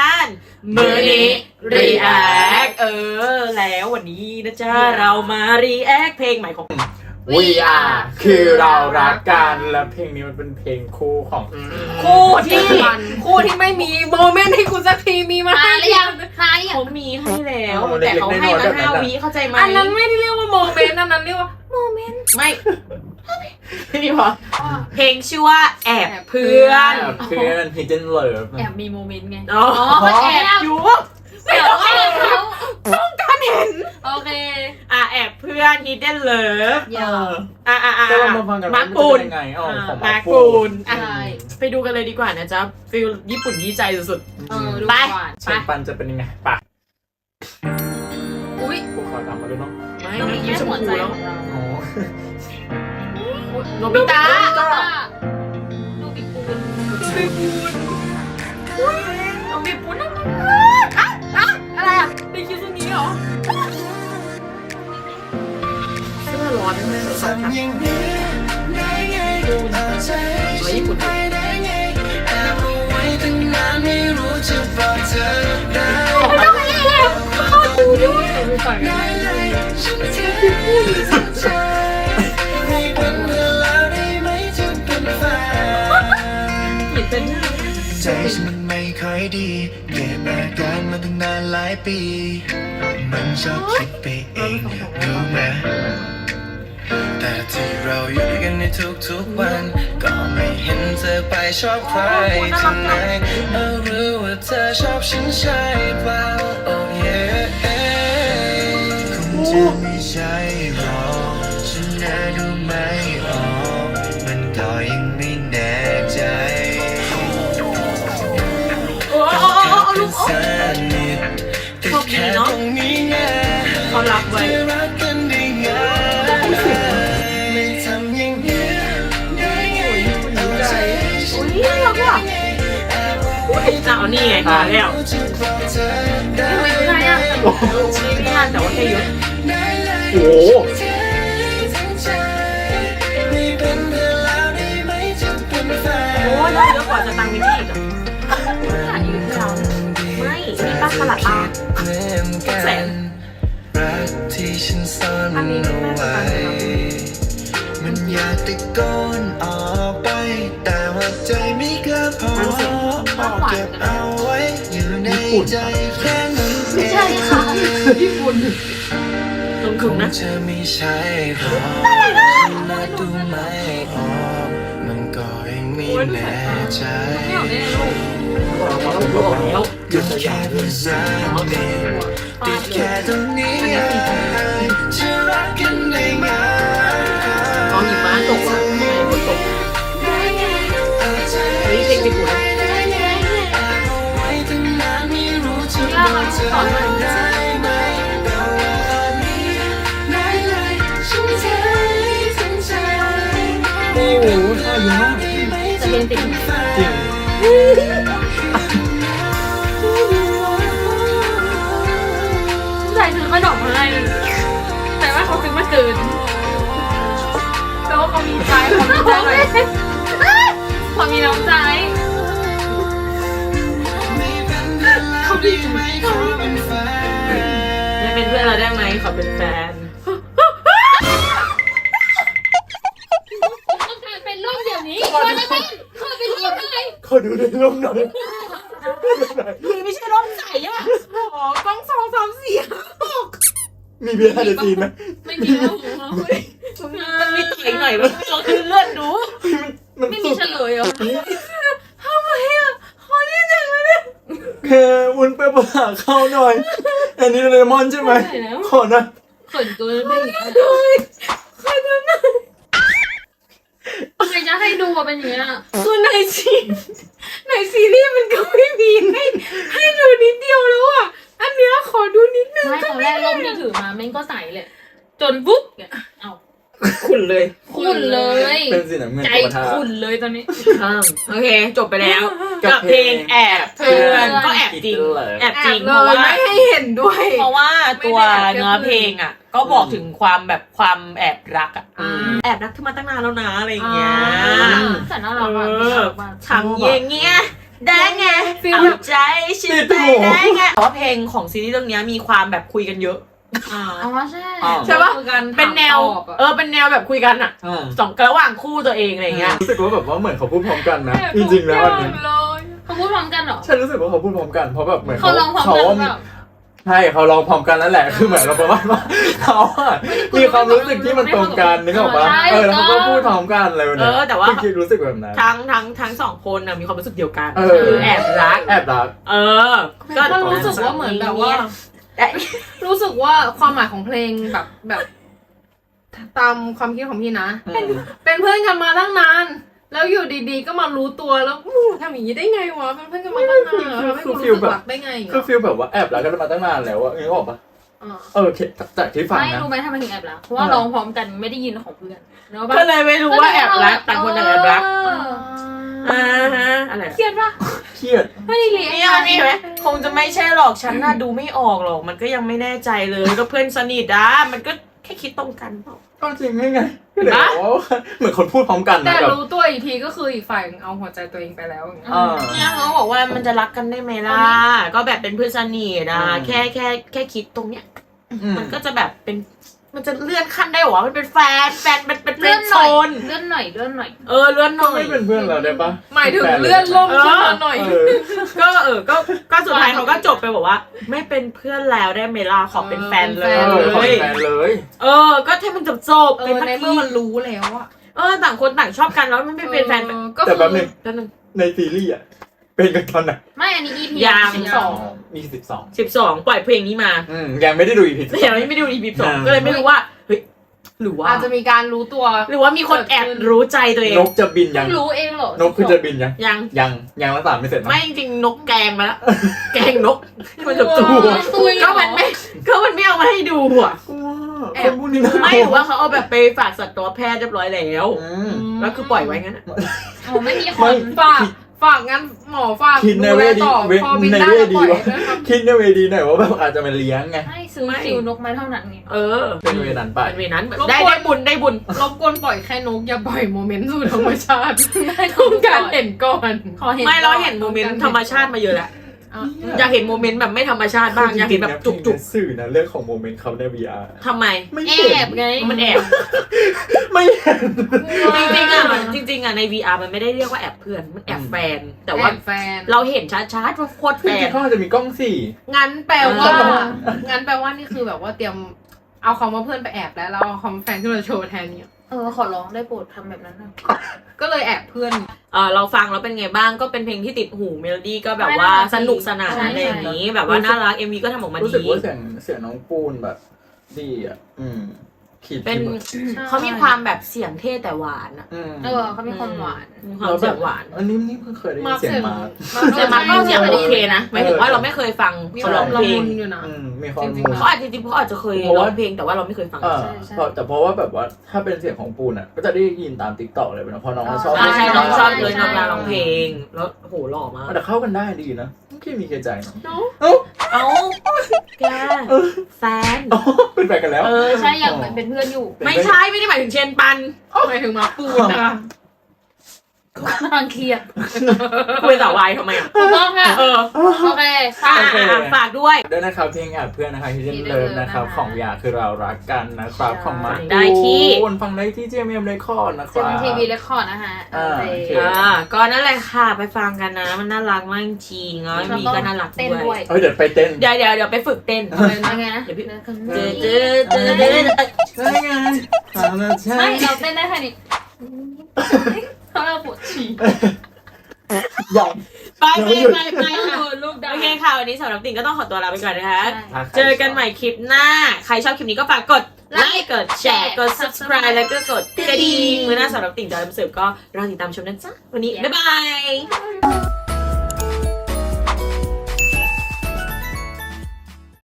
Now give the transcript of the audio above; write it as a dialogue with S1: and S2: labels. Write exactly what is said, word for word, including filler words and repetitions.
S1: การมือนี้รีแอคเออแล้ววันนี้นะจ๊ะเรามารีแอคเพลงใหม่ของ
S2: We Are คือเรารักกันและเพลงนี้มันเป็นเพลงคู่ของ
S1: คู่ที่คู่ที่ไม่มีโมเมนต์ให้คุณสักทีมีมาให้หรือยัง
S3: มาหรือยัง
S1: เขามีให้แล้วแต่เขาให้มาห้าวิเข้าใจไหม
S3: อันนั้นไม่ได้เรียกว่าโมเมนต์อันนั้นเรียกว่าโมเมนต์
S1: ไม่นี่พอเพลงชื่อว่าแอบเพื่อน
S2: เพื่อน Hidden Love
S3: แอบมีโมเมนต์ไง
S1: อ๋อแอบอยู่
S3: ไม่ต้องให้เขา
S1: ต้องการเห็น
S3: โอเค
S1: อ่ะแอบเพื่อน Hidden Love
S3: เออ
S1: อ่ะอ่ะอ่ะ
S2: มาร์คปูนยังไงอ๋อของมาร์คปูน
S1: อ่ะไปดูกันเลยดีกว่านะจ๊ะฟิลญี่ปุ่นยี่ใจสุด
S3: ๆเออดูก่อน
S2: เชนปันจะเป็นยังไงปะ
S3: อุ้ย
S2: กูขอตามมาดูเนาะ
S1: ไม่ไม่ยิ้มหัวใจแล้ว
S2: อ๋อ
S1: โนบิตะ
S3: โนบิปูน
S1: โนบิปูนโนบิปูนอะไรอ่ะได้คิดตรงนี้เหรอเสื้อร้อนไม่เลยสักพักญี่ปุ่นดูด้วยดูก่อน
S4: ใจฉันมันไม่ค่อยดีเก็บอาการมาตั้งนานหลายปีมันชอบคิดไปเองรู้ไหมแต่ที่เราอยู่ด้วยกันในทุกๆวันก็ไม่เห็นเธอไปชอบใครที่ไหนเออรู้ว่าเธอชอบฉันใช่เปล่าโอ้เย่คงจะไม่ใช่หรอกฉันน่าดูไม่ออกมันก็ยังไม่แน่ใจ
S1: เขามีเนาะเขารักไว้
S4: ไม่ทำอย่างนี้ใจ
S1: โอ้ยน่ารักว่ะเอานี่ไงมาแล้ว
S3: ไม่รู้ใครอ่ะ
S1: ไม่น่าแต่ว่าแค่ยศ
S2: โอ้
S1: โอ้ยได้เยอะกว่าจะตังมินี่อีกอ่ะถ่ายอยู่ที่เราไม่มีป้าสลัดตาแสน
S4: รักที่ฉันซ่อนเอาไว้มันอยากตะโกนออกไปแต่ว่าใจไม่กล้าพอเก็บเอาไว้อยู่ในใจแค่นั้นเอง
S3: ใช่ค่ะญี่ปุ่น
S1: ลงทุนนะ
S4: จะไม่ใช่หรอกน่าดูไม่ออกมันก็ยังไม่แน่ใจก็แค่เพื่อนสนิทติดแค่ตรงนี้จะรักกันได้ไง
S1: เขาหิมะตกอ่ะฝนตกเฮ้ยเพลงญี่ปุ่น
S3: สอนมัน
S2: โอ้โหท่าดีมาก
S3: จะเรียนติด
S2: จริง
S3: ใจซื้อขนมให้แต่ว่าเขาซื้อมาเกินแต่ว่าเขามีใจเขามีใจหน่อยเขามีน้ำใจเขาดีไหม
S1: ไม่เป็นเพื่อนเราได้ไหมขอเป็นแฟน
S3: ต้องการเป็นร่มเดี๋ยวนี้ขอได้ไหมขอเป็นร่มได้
S2: ขอดูในร่มหน่อย
S1: คือไม่ใช่ร่มใสอ่ะอ๋อกล้องสองสามสี่
S2: มีเบียร์เดซีไหม
S3: ไม่มีแล้ว
S1: มันมีเสียงหน่อยมันลองคือเลื่อนดู
S3: ไม่มีเฉลยเหรอ
S1: ทำไมอ่ะขอที่ไหนวะเนี่ย
S2: แค่วุ้นไปปหาเข้าหน่อยอันนี้เลมอนใช่ไหมขอนะ
S3: เขินเกินไป
S1: ด้วยขอดูหน่อย
S3: ใครจะให้ดูว่าเป็นอย่างนี้อ่ะ
S1: คือในซีในซีรีส์มันก็ไม่มีให้ให้ดูนิดเดียวแล้วอ่ะอันเนี้ยขอดูนิดนึง
S3: ไม่ตอนแรกร่มที่ถือมาแม่งก็ใส่เลยจนปุ๊บเนี่ยเอา
S1: ขุ่นเลย
S3: ขุ่นเลย
S2: เป็นสีน้ำเงิน
S3: ใจขุ่นเลยตอนนี้
S1: โอเคจบไปแล้วกับเพลงแอบเพื่อนก็แอบจริงแอบจริงเพราะว่าไม่ให้เห็นด้วยเพราะว่าตัวเนื้อเพลงอ่ะก็บอกถึงความแบบความแอบรักอ่ะแอบรักขึ้นมาตั้งนานแล้วนะอะไรอย่างเงี้ย
S3: แต่น่ารักมาก
S1: ทำอย่างเงี้ยได้ไงเอาใจฉันไปได้ไงเพราะว่าเพลงของซีรีส์เรื่องนี้มีความแบบคุยกันเยอะ
S3: อ๋อใช่
S1: ใช่ปะ
S3: คุยกัน
S1: เป็นแนว
S3: ถามตอบอะ
S1: เออเป็นแนวแบบคุยกันอะ
S2: อ่า
S1: สองระหว่างคู่ตัวเองอะไรอย่างเงี้ย
S2: รู้สึกว่าแบบว่าเหมือนเขาพูดพร้อมกันนะจริงๆแล้วอันนี้
S3: เลยเขาพูดพร้อมกันเหรอ
S2: ฉันรู้สึกว่าเขาพูดพร้อมกันเพราะแบบเหมือน
S3: เขาลองพร้อมกันหรือเปล่า
S2: ใช่เขาลองพร้อมกันนั่นแหละคือเหมือนเราประมาณว่าเขาอะมีความรู้สึกที่มันตรงกันนึกออกปะเออแล้วเขาก็พูดพร้อมกันอะไรแบบ
S1: เอ
S2: นี้
S1: อแต่ว่า
S2: คิดรู้สึกแบบนั้น
S1: ทั้งทั้งทั้งสองคนนะมีความรู้สึกเดียวกัน
S2: เออ
S1: คือแอบรัก
S2: แอบรัก
S1: เออ
S3: ก็รู้สึกว่าเหมือนแบบว่า
S1: เอ๊ะ
S3: รู้สึกว่าความหมายของเพลงแบบแบบ ตามความคิดของพี่นะ เป็นเพื่อนกันมาตั้งนาน แล้วอยู่ดีๆก็มารู้ตัวแล้วอู้ทำอย่างนี้ได้ไงวะเป็นเพื่อนกันมาตั้งนานทำให้กูรู้สึกรักได้ไง
S2: คือฟีลแบบว่าแอบรักกันมาตั้งนานแล้วอะนึกออกปะ
S3: อ่า
S2: เออจากที่ฟัง
S5: ไม่
S2: นะ
S5: รู้ไหมทำไมถึงแอบรักเพราะว่าร้องพร้อมกันไม่ได้ยินของเพื่อนเนอะ
S1: ก็เลยไม่รู้ว่าแอบรักต่างคนต่างแอบรัก
S5: เออ
S1: อ่าฮะอะไร
S5: เครียดปะ
S2: เครียด
S5: ไม่ได้เรียน
S1: นี่นี่ไหมคงจะไม่ใช่หรอกฉันน่ะดูไม่ออกหรอกมันก็ยังไม่แน่ใจเลยก็เพื่อนสนิทอ่ะมันก็แค่คิดตรงกันเปล่า
S2: ก็จริงไงไงก็เลยบอกว่าเหมือนคนพูดพร้อมกัน
S3: แต่
S2: นะแบบ
S3: รู้ตัวอีกทีก็คืออีกฝ่ายเอาหัวใจตัวเองไปแล้วอย่างเงี้ย
S2: อ่า
S1: เนี่ยเขาบอกว่ามันจะรักกันได้ไหมล่ะก็แบบเป็นเพื่อนสนิทอ่ะ
S2: อืม
S1: แค่แค่แค่คิดตรงเนี้ย
S2: อืม
S1: มันก็จะแบบเป็นมันจะเลื่อนขั้นได้หรอมันเป็นแฟนแฟนเป็นเป็นเฟร
S5: เลื่อน
S1: นด์
S5: ห
S1: โซ
S5: น่อย
S1: น
S5: เลื่อนหน่อยเลื่อนหน่อย
S1: เออเลื่อนห
S2: ก็
S1: น่อย
S2: ไม่เป็นเพื่อนเราได้ปะ
S3: หมายถึงเลื่อนล่มขึ้นมาหน่อย
S2: เออ
S1: ก็เออก็ก็สุดท้ายเขาก็จบไปบอกว่า ไม่เป็นเพื่อนแล้วได้ไหมล่ะขอเป็นแฟนเล
S2: เออขอย เป็นแฟนเลย
S1: เออ ก็ให้มันจบจบ
S3: เอ
S1: เป็น
S3: อ
S1: สัก
S3: ใน
S1: ที
S3: เมื่อมันรู้แล้วอะ
S1: เออต่างคนต่างชอบกันแล้วไม่ไม่เป็นแฟน
S3: ออก็
S2: แต่
S3: คือ
S2: แป๊บนึง
S1: กันหนึ่ง
S2: ในซีรีส์อะเป็นกันตอนไหน
S5: ไม่อันนี้ อี พี
S1: ยัง
S5: สิบสอง
S2: มีสิบสอง
S1: สิบสองปล่อยเพลงนี้มา
S2: อืมยังไม่ได้ดูอีพี
S1: แต่ยังไม่ได้ดูอีพีสองก็เลยไม่รู้ว่าเฮ้ยหรือว่า
S3: อาจจะมีการรู้ตัว
S1: หรือว่ามีคนแอบรู้ใจตัวเอง
S2: นกจะบินยัง
S5: เพิ่งรู้เองเหรอน
S2: กคือจะบินยัง
S1: ยัง
S2: ยังยังรักษาไม่เสร็จนะ
S1: ไม่จริงๆนกแกงมาแล้ว แกงนกที่มันจบจบ
S5: ตุย
S1: ก็มันไม่ก็มันไม่เอามาให้ดูอ่ะ
S2: แอบพูดนี่นะ
S1: ไม่หรือว่าเขาเอาแบบไปฝากสัตวแพทย์เรียบร้อยแล้ว
S2: อืม
S1: แล้วคือปล่อยไว้งั้นอะ
S5: โอ้ไม่มีค
S2: ไม่
S5: น
S3: ฝากฝากงั้นหมอฝาก
S2: คิดใน
S3: ดู
S2: เว
S3: แล
S2: ดี
S3: ต่อ
S2: เว
S3: พอบิน
S2: ใน
S3: ได้
S2: เว
S3: ก็
S2: ดี
S3: ปล่อย
S2: ว่า
S3: นะครับ
S2: คิดในเวดีหน่อยว่าแบบอาจจะมาเลี้ยงไง
S5: ให้ซื้อฟิวนกไม้เท่านั้นไง
S1: เออ
S2: เป็นเวนั้นไป
S1: เป็นเวนั้นแบบได้ได้บุญได้บุญ
S3: รบกวนปล่อยแค่นกอย่าปล่อยโมเมนต์สู่ธรรมชาติ
S5: ได้
S3: ต้องการเห็นก่อน
S5: ขอเห็น
S1: ไม่เราเห็นโมเมนต์ธรรมชาติมาเยอะแล้ว
S3: อ่ะ
S1: อยากเห็นโมเมนต์แบบไม่ธรรมชาติบ้างอยากเห็นแบบจุกจุก
S2: สื่อนะเรื่องของโมเมนต์เขาใน วี อาร์
S1: ๆทำไม
S2: ไม่
S5: แอ
S2: เห็น
S5: บไง
S1: มันแอบ
S2: ไม่เห็น
S1: จริงๆอ่ะมันจริงๆอ่ะใน วี อาร์ มันไม่ได้เรียกว่าแอบเพื่อนมันแอบแฟน แต่ว่า
S3: แอบแฟน
S1: เราเห็นชัดๆว่าโคตร
S2: จ
S1: แฟ
S2: ริ
S1: น
S2: งๆเขาอาจจะมีกล้องสี่
S3: งั้นแปลว่า
S1: เออ
S3: งั้นแปลว่านี่คือแบบว่าเตรียมเอาคำว่าเพื่อนไปแอบแล้วแล้วเอาคำว่าแฟนขึ้นมาโชว์แทนเนี่ย
S5: เออขอร้องได้โปรดทำแบบนั้นนะ
S3: ก็เลยแอบเพื่อน
S1: เออเราฟังแล้วเป็นไงบ้างก็เป็นเพลงที่ติดหูเมโลดี้ก็แบบว่าสนุกสนานอะไรอย่างนี้ แบบว่าน่ารัก เอ็ม วี ก็ทำออกมา
S2: รู้สึก
S1: ดี
S2: ว่าเสียงเสียงน้องปูนแบบดีอ่ะอืมขีด
S1: เป็น
S2: ที่แบบ
S1: เขามีความแบบเสียงเท่แต่หวานอ่ะ
S2: อืม
S5: เออเขามีความหวาน
S1: มีความเสียงหวาน
S2: อันนี้นี่เพิ่งเคยได้ยิ
S3: มาน ร์ค
S2: เสียง
S3: เสียง
S2: มาร์ค
S1: แต่มันก็เสียงโอเคนะหมายถึงว่าเราไม่เคยฟัง
S3: มี
S1: เขา
S3: ค
S1: ร้
S3: วา
S1: อ
S3: ม
S1: ง
S3: ละ
S1: เพล
S3: มุ
S1: ง
S3: นอยู่นะ
S2: อืมมีความ
S3: จริงๆ
S2: มู
S1: เขาอาจจะจริงๆเขาอาจจะเคยร้องเพลงแต่ว่าเราไม่เคยฟัง
S2: เออเพราะแต่เพราะว่าแบบว่าถ้าเป็นเสียงของปูนอ่ะ ก็จะได้ยินตามติ๊กต็อกเลยนะเพราะน้องชอบ
S1: อ่าใช่น้องชอบเลย
S5: ใช่
S1: น้องเวลาร้องเพลงแล้วโหหล่อมาก
S2: แต่เข้ากันได้ดีนะไม่คิดมีเคใจเนาะ
S3: เนาะ
S2: เอ้า
S1: เอ้าแกแฟน
S2: อ๋อเป็นแฟนกันแล้ว
S1: เออ
S5: ใช่อยากเป็นเพื่อนอยู่
S1: ไม่ใช่ไม่ได้หมายถึงเชนปัน
S3: หมายถึงมาร์คปูนนะคะ
S5: บางเครียด
S1: คุยต่อวายทำไมอ่ะ
S5: ถูกต้องค่ะ
S1: เออ
S5: โอเค
S1: อ่ะ
S5: ค่ะ
S2: โอเค
S1: อ่ะฝากด้วย
S2: ด้วยนะครับเพลงแอบเพื่อนนะคะที่เล่น
S5: Hidden
S2: เลิฟ
S5: Love
S2: นะครับ
S5: นะคะ
S2: ของยาคือเรารักกันนะครับ
S5: ใช่
S2: ของมาร์ค
S1: ได้ที่
S2: ปูนฟังได้ที่ จี เอ็ม เอ็ม Record นะค
S5: เซ
S2: รั
S5: เว่น
S2: บ
S5: ทีวีเรคคอร์ดนะคะ
S2: อ่า
S5: โอ
S2: โอ
S5: เค
S2: เค
S1: อ่าก็นั่นแหละค่ะไปฟังกันนะมันน่ารักมากจริงๆแล้วมีก็น่ารัก
S5: เต้น
S1: ด้
S5: ด้
S1: ว
S5: วย ย
S2: เอ้ยเดี๋ยวไปเต้น
S1: เดี๋ยวเดี๋ยวเดี๋ยวไปฝึกเต้น
S3: เลยนะ
S5: ยังไงนะ
S1: เดี๋ยวพี่
S5: เจ
S1: เจ
S5: อ
S1: อ
S5: เจ
S1: เจ
S5: อ
S1: อเจอเจอเจอ
S2: ใช่ไงตามนั้นใช่
S5: ไม่เราเต้นได้แค่นี้เขาเราปวดฉี่
S2: ใหญ่
S1: ไปไปไปไป
S5: เออลูกดาว
S1: โอเคค่ะวันนี้สำหรับติ่งก็ต้องขอตัวลาไปก่อนนะคะ
S5: ใช่
S1: เจอกันใหม่คลิปหน้า ใครชอบคลิปนี้ก็ฝากกดไลค์กดแชร์กด subscribe แล้วก็กดกระดิ่งมือหน้าสำหรับติ่งจะนำเสริมก็รอติดตามชมนะจ๊ะวันนี้บ๊ายบาย